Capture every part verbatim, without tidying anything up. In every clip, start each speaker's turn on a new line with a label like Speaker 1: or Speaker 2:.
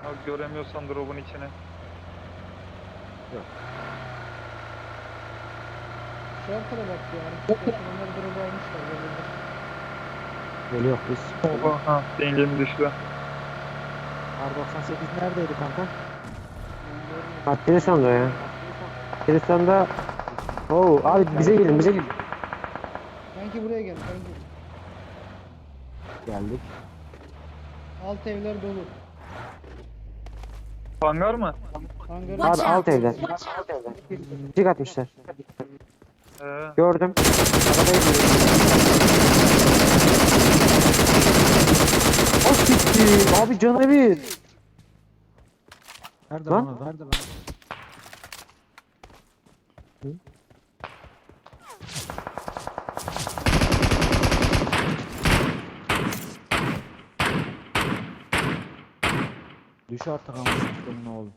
Speaker 1: Abi göremiyorsan drop'un içine.
Speaker 2: Yok.
Speaker 3: Şu arkada bak ya. Arkadaşlar onlar drop'u almışlar. Geliyorlar.
Speaker 2: Geliyor biz.
Speaker 1: Oha ha dengemi düştü.
Speaker 2: R doksan sekiz neredeydi kanka?
Speaker 4: Ha Tristan'da ya. Tristan'da. Oo abi bize gelin bize gelin.
Speaker 3: Kanki buraya gel kanki.
Speaker 2: Geldik.
Speaker 3: Alt evler dolu.
Speaker 1: Hangar mı?
Speaker 3: Hangarın
Speaker 4: Abi alt evden. Cik atmışlar.
Speaker 1: Ee,
Speaker 4: Gördüm. Arabaya gidiyor. O siktir. Abi canı bir.
Speaker 2: Nerede
Speaker 4: Lan?
Speaker 2: lan? Nerede lan? Düş artık ama ne oğlum.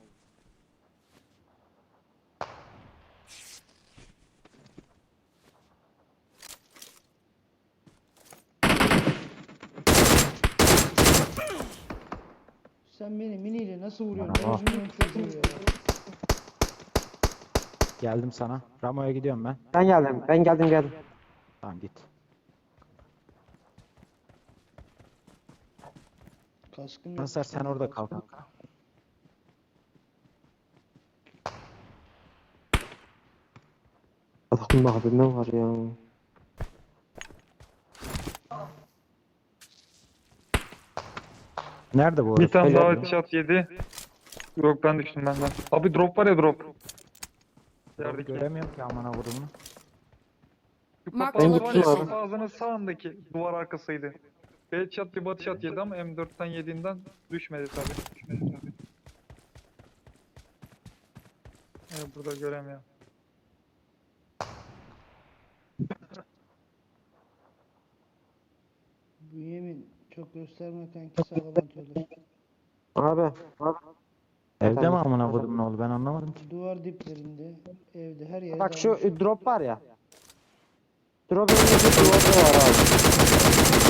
Speaker 3: Sen beni miniyle nasıl vuruyorsun?
Speaker 2: Merhaba.
Speaker 3: Orospu'nun çocuğu ya.
Speaker 2: Geldim sana. Ramo'ya gidiyorum ben.
Speaker 4: Ben geldim. Ben geldim geldim.
Speaker 2: Tamam git.
Speaker 3: Kaskım yok.
Speaker 2: Nasır sen orada kal kanka.
Speaker 4: Allah'ım abi ne var ya.
Speaker 2: Nerede bu
Speaker 1: bir
Speaker 2: orası?
Speaker 1: tane
Speaker 4: Helal
Speaker 1: daha
Speaker 4: olsun.
Speaker 1: headshot yedi. Yok ben düştüm benden. Abi drop var ya drop.
Speaker 2: Doğru
Speaker 1: Yerdeki.
Speaker 2: göremiyorum ki amına kodumu.
Speaker 1: Şu
Speaker 5: Mark
Speaker 1: kapı
Speaker 4: the
Speaker 1: ağzı var ya,
Speaker 4: location.
Speaker 1: kapı ağzının sağındaki duvar arkasıydı. Bir headshot bir body shot yedi ama M dörtten yediğinden düşmedi tabi. Düşmedi tabi. Evet burada göremiyorum.
Speaker 3: Bünyamin çok gösterme kanki sağlam atıyorlar.
Speaker 4: Abi. Abi.
Speaker 2: Evde mi
Speaker 4: Tamam.
Speaker 2: amına kodumun oğlu ben anlamadım ki.
Speaker 3: Duvar diplerinde, evde her yere
Speaker 4: Bak şu
Speaker 3: dalmışlar.
Speaker 4: e, drop var ya. Drop önündeki duvarda var abi.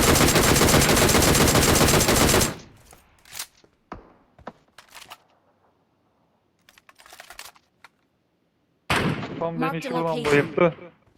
Speaker 1: Tam
Speaker 5: Mark
Speaker 1: beni
Speaker 5: the
Speaker 1: şuradan
Speaker 5: location.
Speaker 1: bayılttı.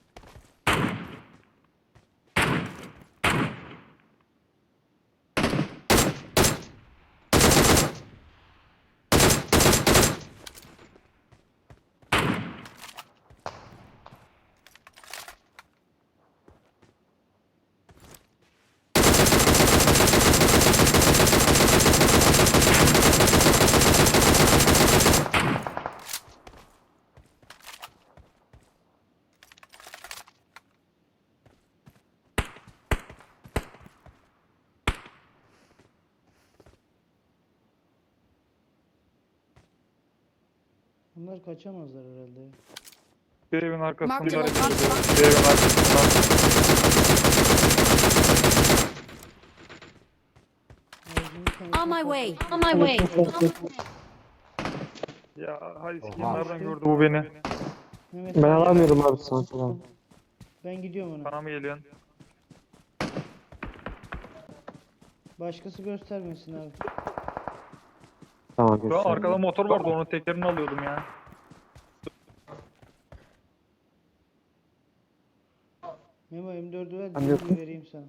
Speaker 3: Bunlar kaçamazlar herhalde.
Speaker 1: Bir evin arkasından
Speaker 5: Mark the
Speaker 1: hareket
Speaker 5: location.
Speaker 1: ediyor. Bir evin arkasından.
Speaker 3: Ağzını kanatına
Speaker 5: On my way.
Speaker 3: patlat.
Speaker 5: On my way.
Speaker 1: Ya hay
Speaker 2: Oha.
Speaker 1: sikeyim nereden gördü bu beni?
Speaker 3: Mehmet
Speaker 4: Ben
Speaker 3: abi,
Speaker 4: alamıyorum abi sana falan.
Speaker 3: ben gidiyorum ona.
Speaker 1: Bana mı geliyorsun?
Speaker 3: Başkası göstermesin abi.
Speaker 4: Tamam
Speaker 1: Şu an
Speaker 4: göster.
Speaker 1: arkada motor vardı onun tekerini alıyordum ya.
Speaker 3: Memo M dördü ver,
Speaker 4: Ben
Speaker 3: diğerini
Speaker 4: yokum.
Speaker 3: vereyim sana.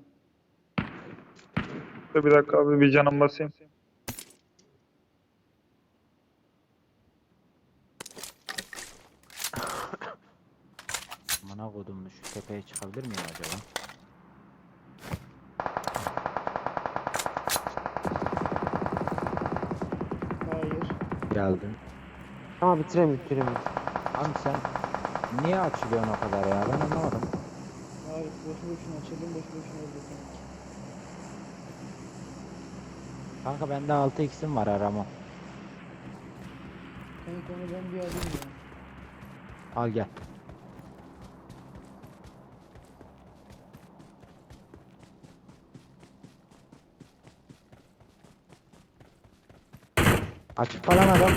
Speaker 1: Dur bir dakika abi bir canım basayım.
Speaker 2: Amına kodumun şu tepeye çıkabilir miyim acaba?
Speaker 3: Hayır.
Speaker 2: Geldim.
Speaker 4: Tamam bitireyim bitireyim.
Speaker 2: Abi sen niye açılıyorsun o kadar ya? Ben anlamadım.
Speaker 3: Hayır, boşu boşuna açıldım, boşu boşuna öldürdüm.
Speaker 2: Kanka bende altı x'im var arama.
Speaker 3: Kanka onu ben bir alayım ya.
Speaker 2: Al gel. Açık falan adam.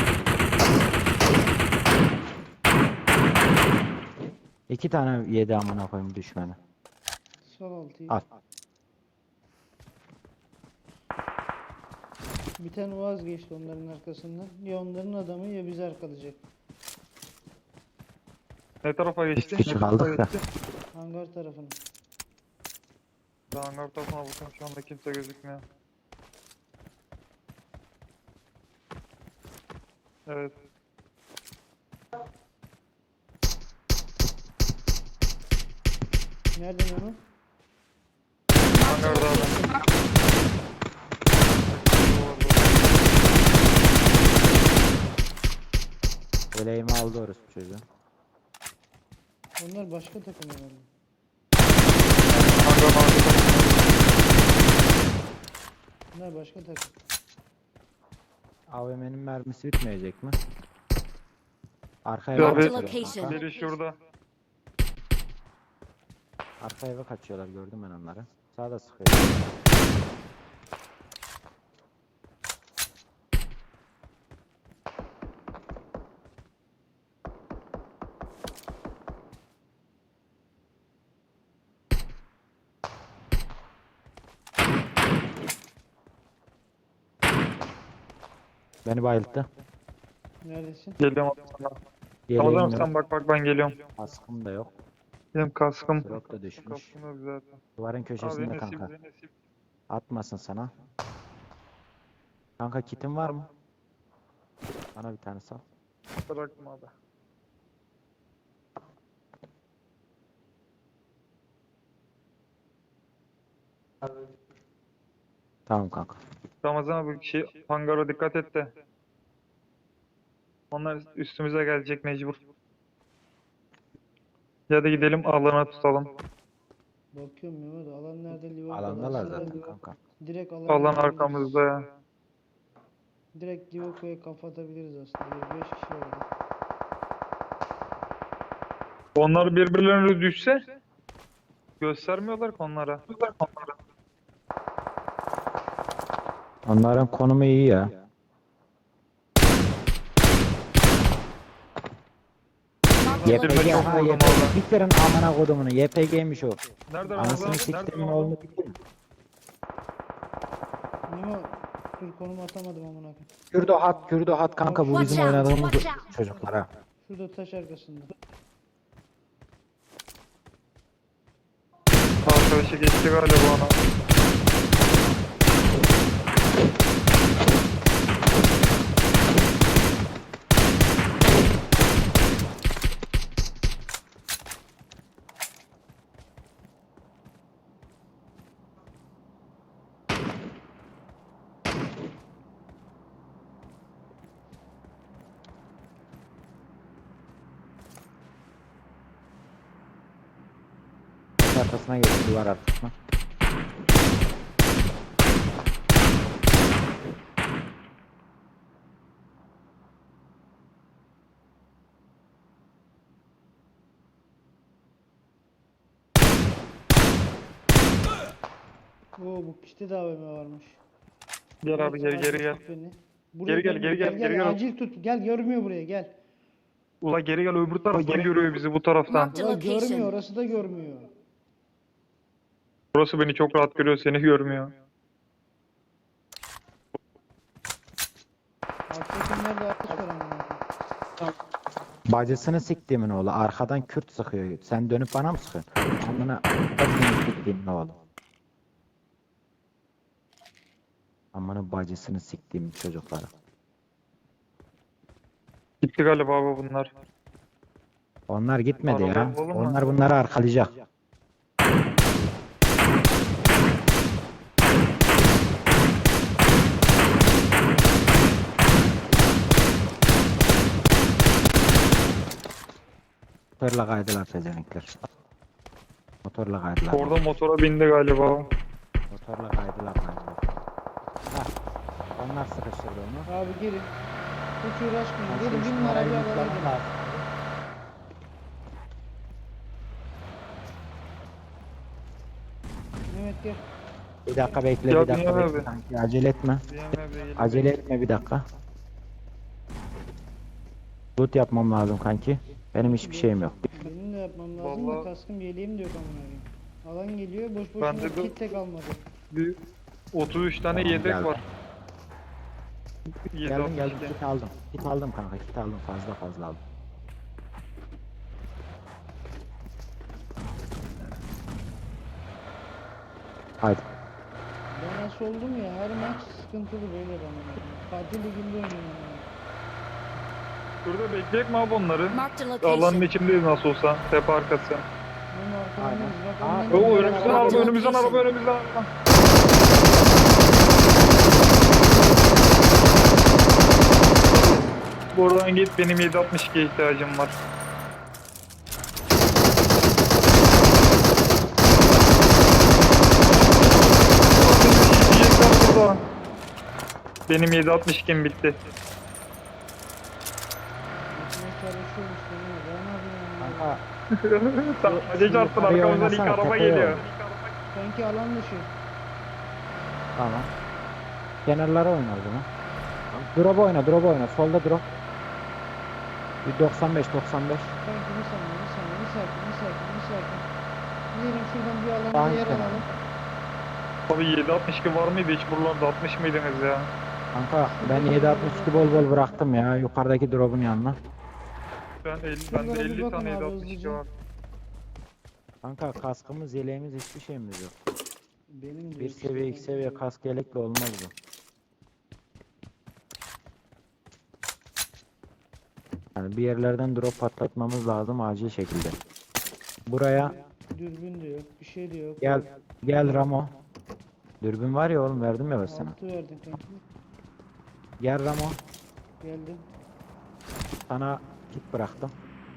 Speaker 2: İki tane yedi amına koyayım düşmeni.
Speaker 3: Sol altıyı.
Speaker 2: Al.
Speaker 3: Bir tane vazgeçti onların arkasından. Ya onların adamı ya bizi arkalayacak.
Speaker 1: Ne tarafa geçti?
Speaker 2: kişi
Speaker 1: Ne tarafa
Speaker 2: kaldık da.
Speaker 1: geçti?
Speaker 3: Hangar tarafına.
Speaker 1: Daha hangar tarafına bakıyorum, şu anda kimse gözükmüyor. Evet.
Speaker 3: Nereden onu?
Speaker 1: Hangarda adam.
Speaker 2: Eleğimi aldı orası çocuğu.
Speaker 3: Onlar başka takım herhalde.
Speaker 1: Hangarın arkasında.
Speaker 3: Bunlar başka takım.
Speaker 2: A V M'nin mermisi bitmeyecek mi? Arka
Speaker 1: Ya
Speaker 2: eve
Speaker 1: be-
Speaker 2: kaçıyorlar.
Speaker 5: Location.
Speaker 2: kanka.
Speaker 1: Biri şurada.
Speaker 2: Arka eve kaçıyorlar, gördüm ben onları. Sağda sıkıyor. Beni bayılttı.
Speaker 3: Neredesin?
Speaker 1: Geliyorum sana.
Speaker 2: Yeleğim
Speaker 1: Tamam
Speaker 2: yok.
Speaker 1: sen bak bak, ben geliyorum.
Speaker 2: Kaskım da yok.
Speaker 1: Benim kaskım.
Speaker 2: Drop da düşmüş.
Speaker 1: Kaskım yok zaten.
Speaker 2: Duvarın köşesinde
Speaker 1: Abi nasip,
Speaker 2: kanka.
Speaker 1: nasip.
Speaker 2: Atmasın sana. Kanka kitin var mı? Bana bir tane sal.
Speaker 1: Bıraktım abi.
Speaker 2: Tamam kanka.
Speaker 1: Ramazan abi şey, hangara dikkat et de. Onlar üstümüze gelecek mecbur. Ya da gidelim alana tutalım.
Speaker 3: Bakıyorum Mehmet, alan nerede? Liverpool
Speaker 2: Alandalar
Speaker 3: arası da
Speaker 2: zaten kanka.
Speaker 3: Direkt alan
Speaker 1: Alan arkamızda ya.
Speaker 3: Direkt Liverpool'a kafa atabiliriz aslında. beş kişi var orada.
Speaker 1: Onlar birbirlerine düşse göstermiyorlar ki onlara.
Speaker 2: Onların konumu iyi ya.
Speaker 5: Marked a
Speaker 1: Yep.
Speaker 5: location.
Speaker 2: Y P G,
Speaker 1: çok
Speaker 2: ha
Speaker 1: vurdum
Speaker 2: Y P G.
Speaker 1: orada.
Speaker 2: Bitirin amına kodumunu. Y P G'ymiş o.
Speaker 1: Nerede
Speaker 2: Anasını
Speaker 1: Ramazan?
Speaker 2: siktimin
Speaker 1: Nerede
Speaker 2: oğlunu bitirin.
Speaker 3: Memo, dur konumu atamadım amına koyayım.
Speaker 2: Kürdo hat, Kürdo hat kanka, bu
Speaker 5: Watch
Speaker 2: bizim
Speaker 5: out,
Speaker 2: oynadığımız
Speaker 5: watch out.
Speaker 2: çocuklara.
Speaker 3: Şurada taş arkasında.
Speaker 1: Arkadaşı geçti galiba ona.
Speaker 2: Arkasına geçti, duvar arkasına.
Speaker 3: Oo, bu kişide de A V M varmış.
Speaker 1: Gel abi, geri geri gel.
Speaker 3: Tut beni. Buraya
Speaker 1: Geri gel,
Speaker 3: dön,
Speaker 1: geri gel, geri gel.
Speaker 3: Acil tut. Gel, görmüyor buraya, gel.
Speaker 1: Ula geri gel, öbür taraftan görüyor bizi, bu taraftan.
Speaker 5: Marked a
Speaker 3: Ulan görmüyor,
Speaker 5: location.
Speaker 3: orası da görmüyor.
Speaker 1: Burası beni çok rahat görüyor, seni görmüyor.
Speaker 3: Alttakilerde atış var amına koyayım.
Speaker 2: Bacısını siktiğimin oğlu. Arkadan Kürt sıkıyor. Sen dönüp bana mı sıkıyorsun? Amına bacısını siktiğimin oğlu. Amına bacısını siktiğim çocukları.
Speaker 1: Gitti galiba abi bunlar.
Speaker 2: Onlar gitmedi ya.
Speaker 1: Arabalı olur mu?
Speaker 2: Onlar bunları arkalayacak. Motorla kaydılar pezevenkler. Motorla kaydılar.
Speaker 1: Orada motora bindi galiba.
Speaker 2: Motorla kaydılar kaydılar. Hah. Onlar sıkıştırdı onu.
Speaker 3: Abi gelin. Hiç uğraşmayın.
Speaker 2: Ben
Speaker 3: Gelin
Speaker 2: şu
Speaker 3: bin
Speaker 2: numarayı
Speaker 3: arabaya
Speaker 2: yüklemem
Speaker 3: alalım.
Speaker 2: lazım.
Speaker 3: Mehmet gel.
Speaker 2: Bir dakika bekle,
Speaker 1: Ya
Speaker 2: bir dakika
Speaker 1: Dünya
Speaker 2: bekle
Speaker 1: abi.
Speaker 2: kanki, acele etme. Acele etme, bir dakika. Loot yapmam lazım kanki. Benim hiçbir şeyim yok.
Speaker 3: Benim de yapmam lazım da
Speaker 1: Vallahi-
Speaker 3: kaskım yeleğim de yok amına koyayım. Alan geliyor, boş
Speaker 1: Ben
Speaker 3: boşuna
Speaker 1: de bu-
Speaker 3: kit de kalmadı.
Speaker 1: Bir otuz üç tane
Speaker 2: Tamam,
Speaker 1: yedek
Speaker 2: geldi.
Speaker 1: var.
Speaker 2: Geldim geldim
Speaker 1: yedi altmış iki.
Speaker 2: kit aldım. Kit aldım kanka kit aldım fazla fazla aldım. Haydi.
Speaker 3: Ben nasıl oldum ya, her maç sıkıntılı böyle bana. Fatih Ligi'nde oynuyorum.
Speaker 1: Şurada bekleyek mi abi onları?
Speaker 5: Marked a
Speaker 1: Alanın
Speaker 5: location.
Speaker 1: içindeyiz nasıl olsa. Tepe arkası.
Speaker 3: Benim arkalarındayız. Bak
Speaker 2: Aa,
Speaker 3: önden
Speaker 1: Oo
Speaker 3: geliyor.
Speaker 1: önümüzden
Speaker 5: Marked
Speaker 1: araba,
Speaker 5: a
Speaker 1: önümüzden
Speaker 5: location.
Speaker 1: araba, önümüzden araba. Buradan git, benim yedi altmış ikiye ihtiyacım var. Yiyecekler burada. Benim yedi altmış ikim bitti.
Speaker 3: Gitmeye çalışıyormuş beni. Ben ne yapayım ya?
Speaker 2: Kanka
Speaker 1: Sadece çarptın,
Speaker 2: yukarıya
Speaker 1: arkamızdan ilk
Speaker 2: oynasana,
Speaker 1: araba
Speaker 2: tepeye
Speaker 1: geliyor.
Speaker 2: oyna.
Speaker 3: Sanki alan dışı.
Speaker 2: tamam. Kenarlara oyna o zaman. Drop oyna drop oyna solda drop. Bir doksan beş doksan beş.
Speaker 3: Sanki bir saniye, bir saniye, bir sakin, bir sakin, bir sakin. Gidelim şuradan bir alanda
Speaker 2: Sanki
Speaker 3: yer
Speaker 2: yani.
Speaker 3: alalım.
Speaker 1: Abi yedi altmış iki var mıydı hiç buralarda, altmış mıydınız ya?
Speaker 2: Kanka ben yedi altmış iki bol bol bıraktım ya yukarıdaki drop'un yanına.
Speaker 1: Ben elli,
Speaker 3: Şuralara
Speaker 1: bende
Speaker 3: bir
Speaker 1: elli
Speaker 3: bakın
Speaker 1: tane
Speaker 3: abi
Speaker 1: yedi altmış iki
Speaker 3: hızlıca.
Speaker 1: var.
Speaker 2: Kanka kaskımız yeleğimiz hiçbir şeyimiz yok.
Speaker 3: Benim de
Speaker 2: Bir
Speaker 3: yok işte
Speaker 2: seviye iki
Speaker 3: kanki.
Speaker 2: seviye kask yelekle olmaz bu. Yani bir yerlerden drop patlatmamız lazım acil şekilde. Buraya
Speaker 3: Dürbün de yok, bir şey de yok.
Speaker 2: gel gel Ramo. Dürbün var ya oğlum verdim ya ben sana.
Speaker 3: Altı verdin kanki.
Speaker 2: Gel Ramo.
Speaker 3: Geldim.
Speaker 2: Sana kit bıraktım.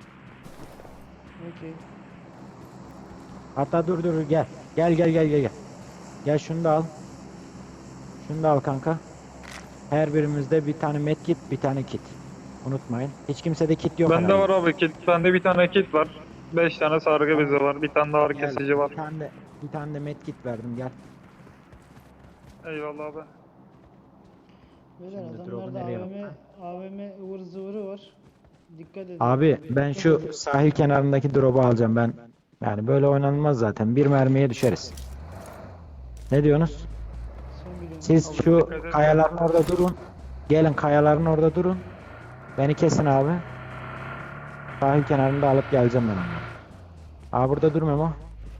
Speaker 3: Okey.
Speaker 2: Hatta dur dur dur, gel. Gel gel gel gel gel. Gel şunu da al. Şunu da al kanka. Her birimizde bir tane medkit, bir tane kit. Unutmayın. Hiç kimsede kit yok
Speaker 1: Bende
Speaker 2: herhalde.
Speaker 1: var abi kit. Bende bir tane kit var. beş tane sargı bezi var. Bir tane daha ağrı
Speaker 2: Gel,
Speaker 1: kesici var.
Speaker 2: Bir tane de bir tane de medkit verdim gel.
Speaker 1: Eyvallah abi.
Speaker 3: Beyler
Speaker 2: Şimdi drop'u
Speaker 3: adamlarda
Speaker 2: nereye
Speaker 3: A V M, A V M ıvır zıvırı var. Dikkat edin.
Speaker 2: Abi ben şu sahil kenarındaki drop'u alacağım ben. Yani böyle oynanmaz zaten. Bir mermiye düşeriz. Ne diyorsunuz?
Speaker 3: Sen biliyorsun.
Speaker 2: Siz şu kayaların orada durun. Gelin kayaların orada durun. Beni kesin abi. Sahil kenarında alıp geleceğim ben onları. Aa burada dur Memo.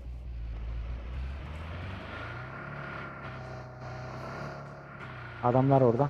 Speaker 2: Adamlar orada.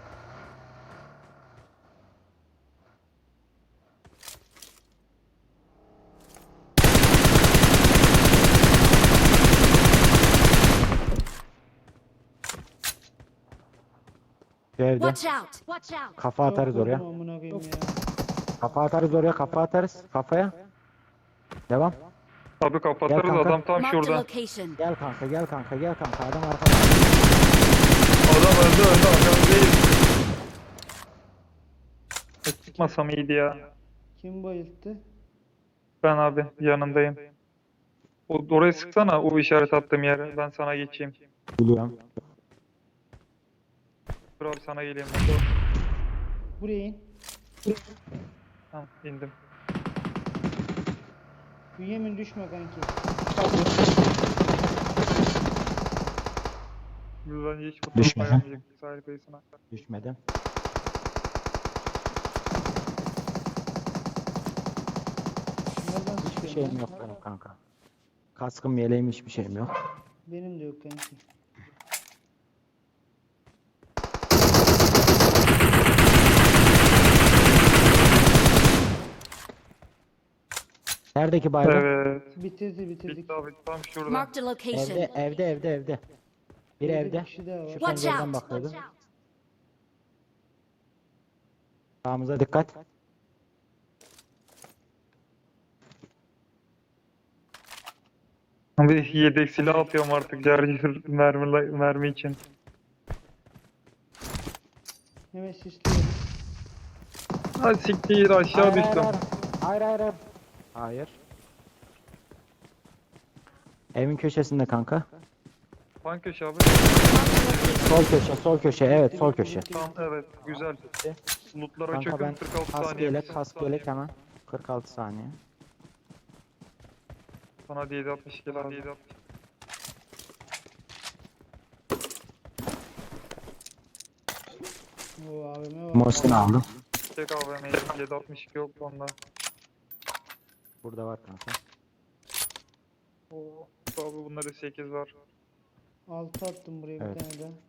Speaker 2: Şu evde.
Speaker 5: Watch out! Watch out!
Speaker 2: Kafa atarız
Speaker 3: Çok
Speaker 2: oraya.
Speaker 3: vurdum amına koyayım ya.
Speaker 2: Kafa atarız oraya. Kafa atarız. Kafaya. Devam.
Speaker 1: Abi kapatırız,
Speaker 2: Gel kanka.
Speaker 1: adam tam
Speaker 5: Marked a
Speaker 1: şurada.
Speaker 5: location.
Speaker 2: Gel kanka gel kanka gel kanka. Adam arkada.
Speaker 1: Adam öldü öldü, adam değil. E, Çıkmasam iyiydi ya.
Speaker 3: Kim bayılttı?
Speaker 1: Ben abi yanındayım. O, oraya sıksana, o işaret attığım yere. Ben sana geçeyim.
Speaker 2: Biliyorum.
Speaker 1: Dur abi sana geleyim.
Speaker 3: Buraya in.
Speaker 1: Tamam indim.
Speaker 3: Bünyamin düşme kanki.
Speaker 1: Biz bence hiç bu
Speaker 2: Düşme.
Speaker 1: tarafa gelmeyecek sahil kıyısına.
Speaker 2: Düşmedim.
Speaker 3: Nereden
Speaker 2: Hiçbir
Speaker 3: sıkıyorsun
Speaker 2: şeyim
Speaker 3: lan?
Speaker 2: yok benim kanka. Kaskım yeleğim hiçbir şeyim yok.
Speaker 3: Benim de yok kanki.
Speaker 2: Neredeki bayrak?
Speaker 1: Evet.
Speaker 3: Bitirdi bitirdik.
Speaker 1: Bitti abi tam şurada.
Speaker 5: Marked a location.
Speaker 2: Evde evde evde evde. Bir
Speaker 3: Bir
Speaker 2: evde.
Speaker 3: kişi daha var.
Speaker 2: Şu
Speaker 5: Watch
Speaker 2: pencereden
Speaker 5: out!
Speaker 2: bakıyordu. Sağımıza dikkat.
Speaker 1: Bir yedek silah atıyorum artık Charger mermi, mermi için.
Speaker 3: Hemen sisliyorum.
Speaker 1: Ha siktir aşağı
Speaker 2: Hayır,
Speaker 1: düştüm.
Speaker 2: Hayır hayır hayır. Hayır. Hayır. Evin köşesinde kanka.
Speaker 1: Hangi köşe abi?
Speaker 2: Sol köşe, sol köşe. Evet, sol köşe.
Speaker 1: Tamam evet güzel. Lootlara
Speaker 2: Kanka
Speaker 1: çökün
Speaker 2: ben
Speaker 1: kırk altı
Speaker 2: kask
Speaker 1: saniye.
Speaker 2: yelek, kask yelek hemen. kırk altı saniye.
Speaker 1: Sana yedi altmış iki lazım.
Speaker 3: Bu A V M var.
Speaker 2: Mosin aldım.
Speaker 1: Tek A V M yedi altmış iki yok onda.
Speaker 2: Burada var kanka.
Speaker 1: Oo, abi bunlarda sekiz var.
Speaker 3: Altı attım buraya
Speaker 2: Evet.
Speaker 3: bir tane daha.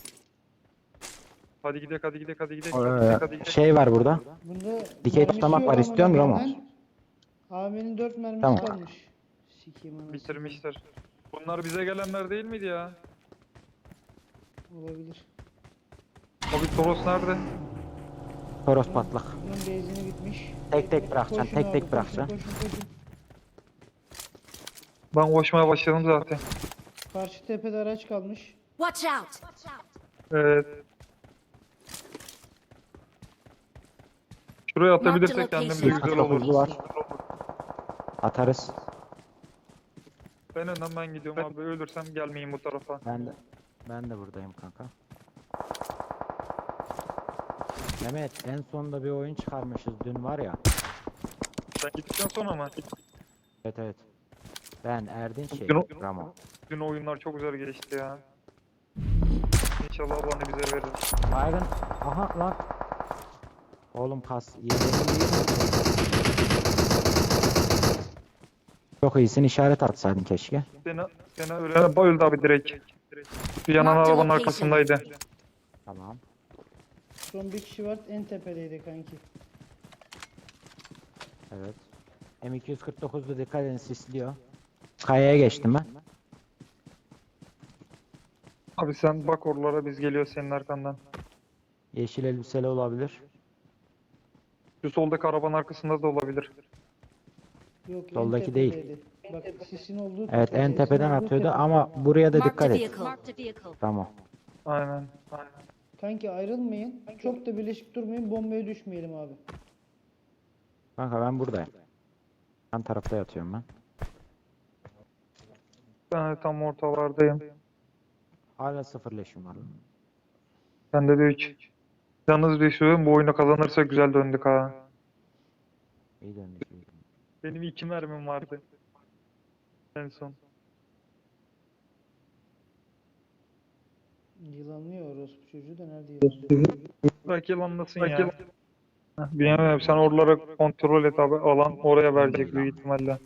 Speaker 1: Hadi gidelim hadi gidelim hadi gidelim.
Speaker 2: Ee,
Speaker 1: Hadi gidelim hadi gidelim.
Speaker 2: şey var burada.
Speaker 3: Bunda
Speaker 2: Dikey
Speaker 3: mermisi
Speaker 2: tutamak
Speaker 3: yok
Speaker 2: var,
Speaker 3: ama
Speaker 2: istiyor musun Ramo?
Speaker 3: benden A V M'nin dört mermisi
Speaker 2: Tamam.
Speaker 3: kalmış. Sikeyim anasını.
Speaker 1: Bitirmişler. Bunlar bize gelenler değil miydi ya?
Speaker 3: Olabilir.
Speaker 1: Abi Toros nerede?
Speaker 2: Toros patlak.
Speaker 3: Bunun benzini bitmiş.
Speaker 2: Tek tek bırakacaksın,
Speaker 3: Koşun
Speaker 2: tek
Speaker 3: abi,
Speaker 2: tek
Speaker 3: koşun,
Speaker 2: bırakacaksın.
Speaker 3: Koşun koşun.
Speaker 1: Ben koşmaya başladım zaten.
Speaker 3: Karşı tepede araç kalmış.
Speaker 5: Watch out!
Speaker 1: Evet. Şuraya atabilirsek kendimize
Speaker 5: location.
Speaker 1: güzel olur.
Speaker 2: Hızlı var. Atarız.
Speaker 1: Ben önden ben gidiyorum abi. Ölürsem gelmeyin bu tarafa.
Speaker 2: Ben de ben de buradayım kanka. Mehmet en sonunda bir oyun çıkarmışız dün var ya.
Speaker 1: Sen gittikten sonra mı?
Speaker 2: Evet evet. Ben Erdin şey
Speaker 1: Dün o-
Speaker 2: Ramo.
Speaker 1: Dün oyunlar çok güzel geçti ya. İnşallah Allah'ını bize verir.
Speaker 2: Byron. Aha lan. Oğlum kas. Yedeğini Çok iyisin, işaret atsaydın keşke.
Speaker 1: Sena, Sena ölene bayıldı abi direkt. Bir yanan
Speaker 5: Marked
Speaker 1: arabanın
Speaker 5: location.
Speaker 1: arkasındaydı.
Speaker 2: Tamam.
Speaker 3: Son bir kişi var en tepedeydi kanki.
Speaker 2: Evet. M iki yüz kırk dokuz'da dikkat edin, sisliyor. Kayaya geçtim ben.
Speaker 1: Abi sen bak oralara biz geliyor senin arkandan.
Speaker 2: Yeşil elbiseli olabilir.
Speaker 1: Şu soldaki arabanın arkasında da olabilir.
Speaker 3: Yok en
Speaker 2: Soldaki değil.
Speaker 3: tepedeydi. Bak sisin olduğu
Speaker 2: Evet, en
Speaker 3: tepede,
Speaker 2: tepeden
Speaker 3: sisin olduğu
Speaker 2: atıyordu
Speaker 3: tepede.
Speaker 2: ama buraya da
Speaker 5: Marked
Speaker 2: dikkat
Speaker 5: a
Speaker 2: et.
Speaker 5: vehicle. Marked a vehicle.
Speaker 2: Tamam.
Speaker 1: Aynen. Aynen.
Speaker 3: Kanki ayrılmayın. Çok da birleşik durmayın. Bombaya düşmeyelim abi.
Speaker 2: Kanka ben buradayım. Yan tarafta yatıyorum ben.
Speaker 1: Ben de tam ortalardayım.
Speaker 2: Hala sıfır leşim var.
Speaker 1: Bende de üç. Yalnız bir şey bu oyunu kazanırsak güzel döndük ha.
Speaker 2: İyi döndük. iyi döndük.
Speaker 1: Benim iki mermim vardı. En son.
Speaker 3: Yılanlıyor orospu çocuğu da nerede yılanlıyor?
Speaker 1: Belki yılanlasın ya. Heh, Bilmiyorum sen oralara kontrol et abi. Alan oraya verecek büyük ihtimalle.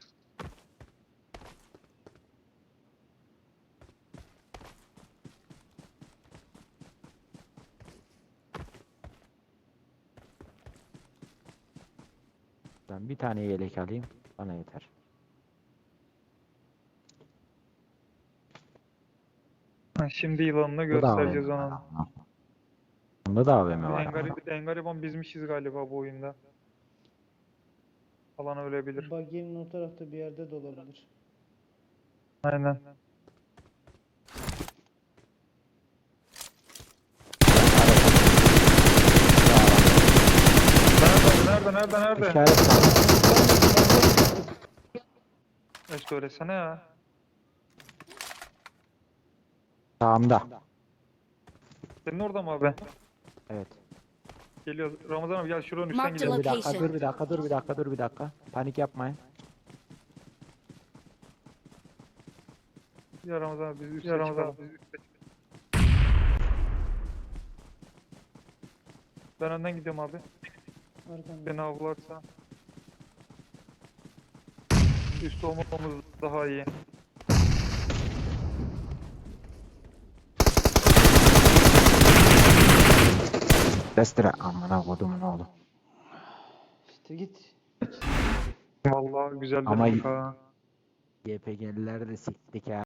Speaker 2: Ben bir tane yelek alayım. Bana yeter.
Speaker 1: Ha, Şimdi yılanını
Speaker 2: Bu da
Speaker 1: göstereceğiz
Speaker 2: A V M.
Speaker 1: ona.
Speaker 2: Bunda da A V M var.
Speaker 1: En
Speaker 2: ama.
Speaker 1: garip, en gariban bizmişiz galiba bu oyunda. Alan ölebilir.
Speaker 3: Buggy'nin o tarafta bir yerde de olabilir.
Speaker 1: Aynen. Nerede, nerede, nerede, nerede?
Speaker 2: İşaret var.
Speaker 1: E söylesene ya.
Speaker 2: Sağımda.
Speaker 1: Senin orada mı abi?
Speaker 2: Evet.
Speaker 1: Geliyor. Ramazan abi gel şuranın üstten
Speaker 5: Marked
Speaker 1: gidelim.
Speaker 2: Bir dakika,
Speaker 5: Location.
Speaker 2: dur bir dakika, dur bir dakika, dur bir dakika. Panik yapmayın.
Speaker 1: Ya Ramazan abi biz üstte Ramazan abi biz üstte. Ben önden gidiyorum abi.
Speaker 3: Arkanda.
Speaker 1: Beni avlarsa. Üst olmamız daha iyi.
Speaker 2: Destere amına kodumun oğlu.
Speaker 3: İşte git.
Speaker 1: Vallahi güzel
Speaker 2: Ama-
Speaker 1: dedik ha.
Speaker 2: Y P G'liler de siktik ha.